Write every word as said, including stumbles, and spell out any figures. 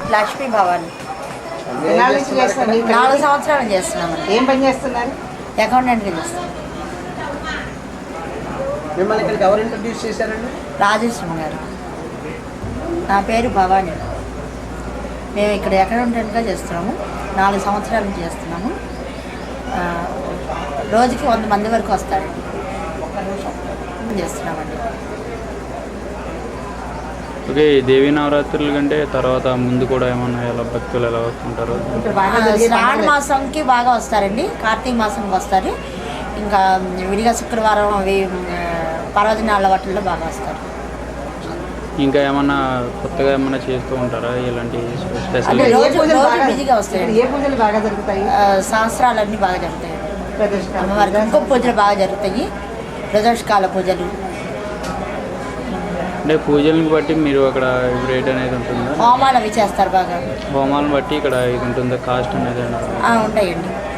లక్ష్మీ భవాని. నాలుగు సంవత్సరాలు చేస్తున్నాం. ఏం పని చేస్తున్నారు? అకౌంటెంట్గా చేస్తాం. మిమ్మల్ని ఇక్కడికి ఎవరు ఇంట్రడ్యూస్ చేశారండి? రాజేశ్వరం గారు. నా పేరు భవాని. మేము ఇక్కడ అకౌంటెంట్గా చేస్తున్నాము. నాలుగు సంవత్సరాల నుంచి చేస్తున్నాము. రోజుకి వంద మంది వరకు వస్తారండి. చేస్తున్నామండి. ఓకే, దేవీ నవరాత్రుల కంటే తర్వాత ముందు కూడా ఏమన్నా ఎలా భక్తులు ఎలా వస్తుంటారు? శ్రావణ మాసంకి బాగా వస్తారండి. కార్తీక మాసంకి వస్తారు. ఇంకా విడిగా శుక్రవారం అవి పర్వదినాల వాటిల్లో బాగా వస్తారు. ఇంకా ఏమన్నా కొత్తగా ఏమన్నా చేస్తూ ఉంటారా ఇలాంటి స్పెషల్? రోజు రోజు బిజీగా వస్తాయి. ఏ పూజలు బాగా జరుగుతాయి? శాస్త్రాలన్నీ బాగా జరుగుతాయి. అమ్మవారికి ఇంకొక పూజలు బాగా జరుగుతాయి. ప్రదోషకాల పూజలు. అంటే పూజలను బట్టి మీరు అక్కడ రేట్ అనేది ఉంటుందా? హోమాలు అవి చేస్తారు బాగా. హోమాలను బట్టి ఇక్కడ ఇది ఉంటుందా కాస్ట్ అనేది? ఉంటాయండి.